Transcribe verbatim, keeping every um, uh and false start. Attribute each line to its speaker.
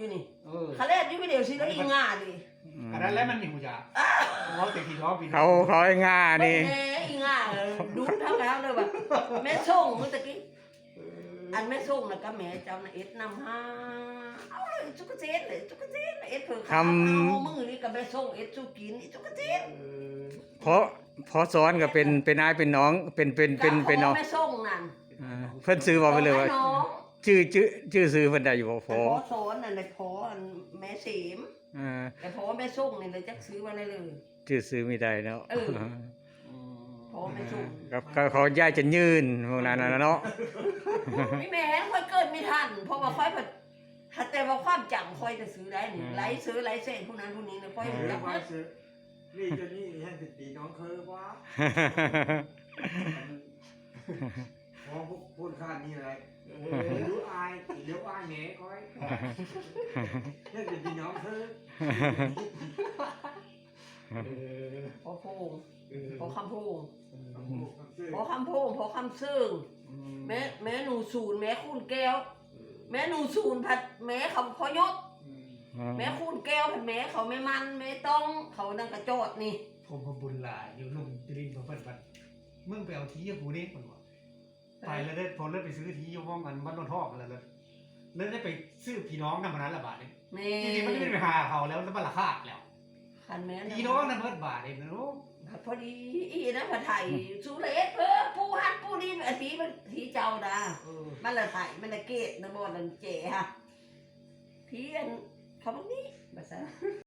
Speaker 1: อยู่นี่เขาเล่นอยู่ไม่เดียวสิแล้วอีง่าดิ
Speaker 2: อันนั้นแล้วมันหิวจ้ะเขาติดที่ท้องพี่
Speaker 3: เขาเขาไอ้ง่านี่
Speaker 1: แม่อีง่าดูทั้งแล้วเลยแบบแม่ส่งเมื่อกี้อันแม่ส่งแล้วก็แม่เจ้าน่ะเอ็ดนำห้าเอาเลยจุกเจ็ดเลยจุกเจ็ดเอ็ดเผื่อข้าวมือนี่กับแม่ส่งเอ็ดจุกินจุกเจ็ด
Speaker 3: เพราะเพราะซ้อนก็เป็นเป็นนายเป็นน้องเป็นเป็นเป็นเป็นน้อง
Speaker 1: แม่ส่งนั่น
Speaker 3: เพิ่นซื้อบอกไปเลยว่าชื่อชื่อชื่อซื้อเพิ่นได้อยู่บ่พอ
Speaker 1: พอซ้อนนั่นเลยพอแม่เสีมแต่พอแม่ส่งนี่เลยจักซื้อมาได้เลย
Speaker 3: ชื่อซื้อไม่ได้เนาะ
Speaker 1: พอแม่ส่ง
Speaker 3: ก็เขาย้ายจะยืนพวกนั้นน่ะเนาะ
Speaker 1: ไม่แม่ค่อยเกิดไม่ทันเพราะว่าค่อยแบบถ้าแต่ว่าความจำค่อยจะซื้อได้นี่ไลฟ์ซื้อไลฟ์เส้นผู้นั้นผู้นี้เนี่ยค่อยจะ
Speaker 4: ค่อยซื้อนี่จะนี่ให้ติดตีน้องเคยว่าพอพูดข้านี่อะไรรู้อายเดี๋ยวอายแหน่ค่อยให้ติดตีน้องเคย
Speaker 1: พอพูงพอคำพูงพอคำพูงพอคำซึ่งแม่แม่หนูศูนย์แม่คูณแก้วแม่หนูศูนย์ผัดแม่เขาพอยศแม่คูณแก้วผัดแม่เขาไม่มันไม่ต้องเขานั่งกระโจดนี่
Speaker 2: ผมพบุญหลายอยู่ลุงจรินผมเปิดบัตรมึงไปเอาทีกับกูนี่มันวะไปแล้วได้พอเลิกไปซื้อทีอยู่ห้องกันบ้านโนนทอกแล้วเลยเลิกได้ไปซื้อพี่น้องนั่นมันนั้นละบาทนี่จริงๆมันไม่ได้ไปหาเขาแล้วแล้วมันราคาแล้วพี่น้องนั่นเพิ่มบาทเองนะลูก
Speaker 1: พอดีอีนะผัดไทยสุเลสเพิ่มปูฮันปูดีอันนี้มันทีเจ้านะมันละไทยมันละเกตนะบอลนั่นเจ๋ฮะพี่อันเขาบอกนี่ภาษา